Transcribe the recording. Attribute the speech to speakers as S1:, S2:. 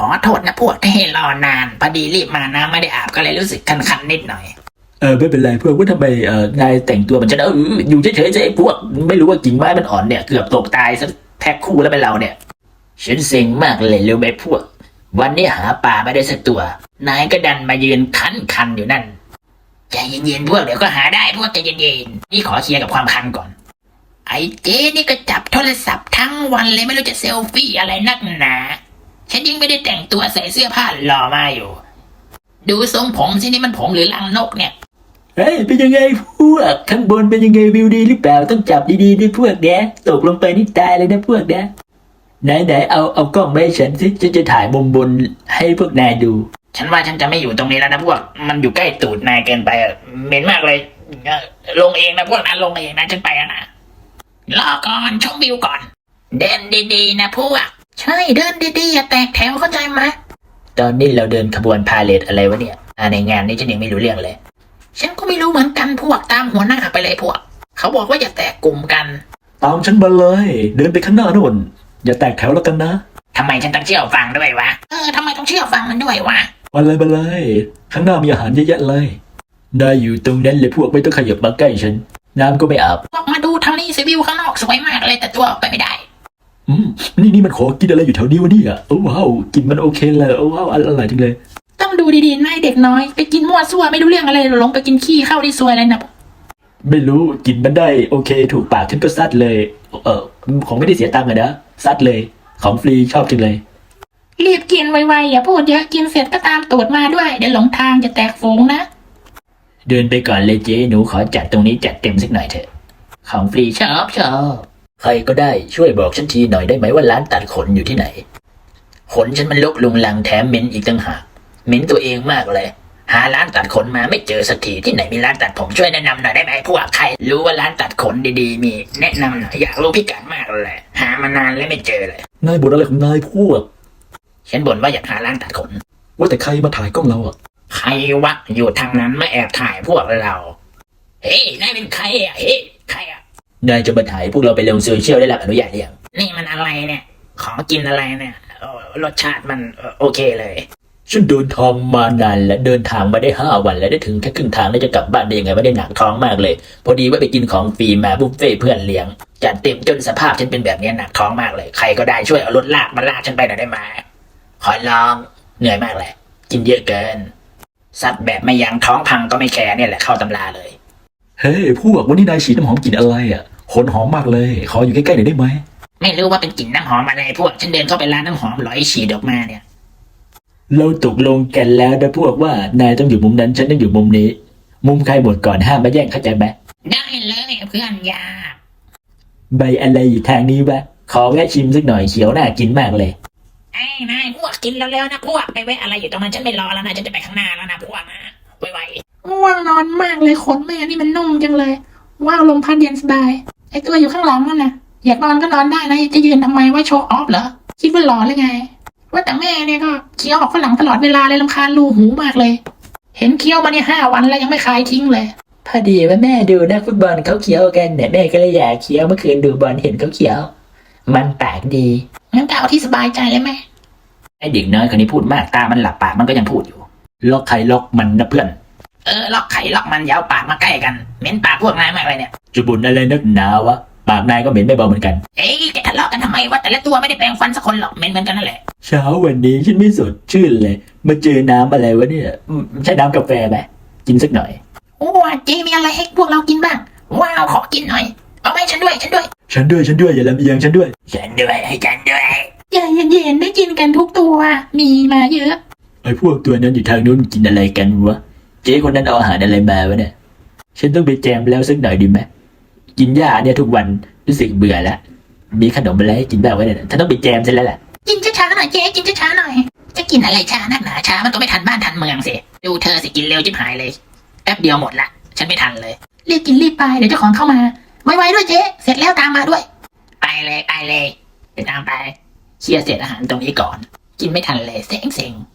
S1: อโทษนะพวกที่ให้รอนานพอดีรีบมาน้ำไม่ได้อาบก็เลยรู้สึกคันๆนิดหน่อย
S2: ไม่เป็นไรพวกว่าทำไมนายแต่งตัวมันจะอยู่เฉยๆไอ้พวกไม่รู้ว่ากิ่งไม้มันอ่อนเนี่ยเกือบตกตายซะแพ็คคู่แล้วเป็นเราเนี่ยฉันเซ็งมากเลยรู้ไหมพวกวันนี้หาปลาไม่ได้สักตัวนายก็ดันมายืนคันอยู่นั่นใจเย็นๆพวกเดี๋ยวก็หาได้พวกใจเย็นๆนี่ขอเคลียร์กับความคันก่อนไอ้เจ๊นี่ก็จับโทรศัพท์ทั้งวันเลยไม่รู้จะเซลฟี่อะไรนักหนาฉันยังไม่ได้แต่งตัวใส่เสื้อผ้าหล่อมาอยู่ดูทรงผมสินี่มันผมหรือรังนกเนี่ยเฮ้ยเป็นยังไงพวกข้างบนเป็นยังไงวิวดีหรือเปล่าต้องจับดีๆด้วยพวกแกตกลงไปนี่ตายเลยนะพวกแกไหนเอากล้องมาให้ฉันสิฉันจะถ่ายมุมบนให้พวกนายดู
S1: ฉันว่าฉันจะไม่อยู่ตรงนี้แล้วนะพวกมันอยู่ใกล้ตูดนายเกินไปเหม็นมากเลยลงเองนะพวกนั้นลงเองนะฉันไปนะรอก่อนชมวิวก่อนเดินดีๆนะพวกใช่เดินดีๆอย่าแตกแถวเข้าใจไหม
S2: ตอนนี้เราเดินขบวนพาเลทอะไรวะเนี่ยในงานนี้ฉันยังไม่รู้เรื่องเลย
S1: ฉันก็ไม่รู้เหมือนกันพวกตามหัวหน้าไปเลยพวกเขาบอกว่าอย่าแตกกลุ่มกัน
S2: ตามฉันมาเลยเดินไปข้างหน้าโน่นอย่าแตกแถวแล้วกันนะ
S1: ทำไมฉันต้องเชื่อฟังด้วยวะทำไมต้องเชื่อฟังมันด้วยวะ
S2: มาเลยข้างหน้ามีอาหารเยอะแยะเลยได้อยู่ตรงนั้นเลยพวกไม่ต้องขยับมาใกล้ฉันน้ำก็ไม่อาบ
S1: พวกมาดูทางนี้สิวิวข้างนอกสวยมากเลยแต่ตัวออกไปไม่ได้
S2: นี่มันขอกินอะไรอยู่แถวนี้วะเนี่ยโอ้ว้าวกินมันโอเคเลยโอ้ว้าวอร่อยจริงเลย
S1: ต้องดูดีๆนายเด็กน้อยไปกินมั่วซั่วไม่รู้เรื่องอะไรลงไปกินขี้เข้าที่ซวยเลยนะ
S2: ไม่รู้กินมันได้โอเคถูกปากฉันก็ซัดเลยของไม่ได้เสียตังค์อะนะซัดเลยของฟรีชอบจริงเลย
S1: รีบกินไวๆอย่าพูดเยอะกินเสร็จก็ตามตูดมาด้วยเดี๋ยวหลงทางจะแตกฝูงนะ
S2: เดินไปก่อนเลยเจ๊หนูขอจัดตรงนี้จัดเต็มสักหน่อยเถอะของฟรีชอบใครก็ได้ช่วยบอกฉันทีหน่อยได้ไหมว่าร้านตัดขนอยู่ที่ไหนขนฉันมันรกลุงลังแถมเหม็นอีกต่างหากเหม็นตัวเองมากเลยหาร้านตัดขนมาไม่เจอสักทีที่ไหนมีร้านตัดผมช่วยแนะนำหน่อยได้ไหมพวกใครรู้ว่าร้านตัดขนดีๆมีแนะนำหน่อยอยากรู้พิกัดมากเลยหามานานแล้วไม่เจอเลยนายบ่นอะไรของนายพวก
S1: ฉันบ่นว่าอยากหาร้านตัดขน
S2: ว่าแต่ใครมาถ่ายกล้องเราอ่ะ
S1: ใครวะอยู่ทางนั้นมาแอบถ่ายพวกเราเฮ้ยนายเป็นใครอ่ะเฮ้ยใครอ่ะ
S2: นายจะมาถ่ายพวกเราไปลงโซเชียลได้รับอนุญาตหรือยัง
S1: นี่มันอะไรเนี่ยของกินอะไรเนี่ยรสชาติมันโอเคเลย
S2: ฉันเดินทางมานานและเดินทางมาได้5 วันแล้วได้ถึงแค่ครึ่งทางแล้วจะกลับบ้านได้ยังไงไม่ได้หนักท้องมากเลยพอดีว่าไปกินของฟรีมาบุฟเฟ่เพื่อนเลี้ยงจัดเต็มจนสภาพฉันเป็นแบบนี้หนักท้องมากเลยใครก็ได้ช่วยเอารถลากมาลากฉันไปหน่อยได้ไหมขอร้องเหนื่อยมากเลยกินเยอะเกินสัตว์แบบไม่ยั้งท้องพังก็ไม่แคร์เนี่ยแหละเข้าตำราเลยเฮ้ยพวกวันนี้นายฉีดน้ำหอมกลิ่นอะไรอ่ะขนหอมมากเลยขออยู่ใกล้ๆหน่อยได้ไหม
S1: ไม่รู้ว่าเป็นกลิ่นน้ำหอมอะไรพวกฉันเดินเข้าไปร้านน้ำหอมร้อยฉีดออกมาเนี่ย
S2: เราตกลงกันแล้วนะพวกว่านายต้องอยู่มุมนั้นฉันต้องอยู่มุมนี้มุมใครหมดก่อนห้ามมาแย่งเข้าใจไหม
S1: ได้เลยเพื่อนยา
S2: ใบอะไรอยู่ทางนี้วะขอแวะชิมสักหน่อยเขียวน่ากินมากเลย
S1: ไอ้นายพวกกินเร็วๆนะพวกไปแวะอะไรอยู่ตรงนั้นฉันไม่รอแล้วนะฉันจะไปข้างหน้าแล้วนะพวกนะไวๆง่วงนอนมากเลยขนแม่นี่มันนุ่มจังเลยว้าวลมพัดเย็นสบายไอ้ตัวอยู่ข้างหลังนั่นนะอยากนอนก็นอนได้นะจะยืนทำไมว่าโชว์ออฟเหรอคิดว่าหล่อเลยไงว่าแต่แม่เนี่ยก็เคี้ยวออกฝรั่งตลอดเวลาเลยรำคาญรูหูมากเลยเห็นเคี้ยวมาเนี่ย5 วันแล้วยังไม่คลายทิ้งเลย
S2: พอดีว่าแม่ดูนักฟุตบอลเขาเคี้ยวกันเนี่ยแม่ก็เลยอยากเคี้ยวเมื่อคืนดูบอลเห็นเขาเคี้ยวมันแปลกดี
S1: งั้นก็เอาที่สบายใจเลยแม่
S2: ไอเด็กน้อยคนนี้พูดมากตามันหลับปากมันก็ยังพูดอยู่ล็อกใครล็อกมันนะเพื่อน
S1: ล็อกไข่ล็อกมันยาวปากมาใกล้กันเหม็นปากพวกนายมากเลยเนี่ย
S2: จะบ่นอะไรนักหนาวะปากนายก็เหม็นไม่เบาเหมือนกัน
S1: แกทะเลาะกันทำไมวะแต่ละตัวไม่ได้แปรงฟันสักคนหรอกเหม็นเหมือนกันนั่นแหละ
S2: เช้าวันนี้ฉันไม่สดชื่นเลยมาเจอน้ำอะไรวะเนี่ยใช่น้ำกาแฟไหมกินสักหน่อย
S1: โอ้เจมีอะไรให้พวกเรากินบ้างว้าวขอกินหน่อยเอาไปฉันด้วยอย่าล
S2: ำเอียงฉันด้วย
S1: ให้ฉันด้วยใจเย็นๆได้กินกันทุกตัวมีมาเยอะ
S2: ไอ้พวกตัวนั้นอยู่ทางนู้นกินอะไรกันวะเจ๊คนนั้นเอาอาหารอะไรมาวะเนี่ยฉันต้องไปแจมแล้วสักหน่อยดีไหมกินหญ้าเนี่ยทุกวันรู้สึกเบื่อแล้วมีขนมอะไรให้กินบ้างวะเนี่ยฉันต้องไปแจมซะแล้วแหละ
S1: กินช้าๆหน่อยเจ๊กินช้าๆหน่อยจะกินอะไรช้านักหนาช้ามันก็ไม่ทันบ้านทันเมืองสิดูเธอสิกินเร็วจิ๊บหายเลยแป๊บเดียวหมดละฉันไม่ทันเลยรีบกินรีบไปเดี๋ยวเจ้าของเข้ามาไวๆด้วยเจ๊เสร็จแล้วตามมาด้วยไปเลยไปตามไปเชียร์เสร็จอาหารตรงนี้ก่อนกินไม่ทันเลยเซ็ง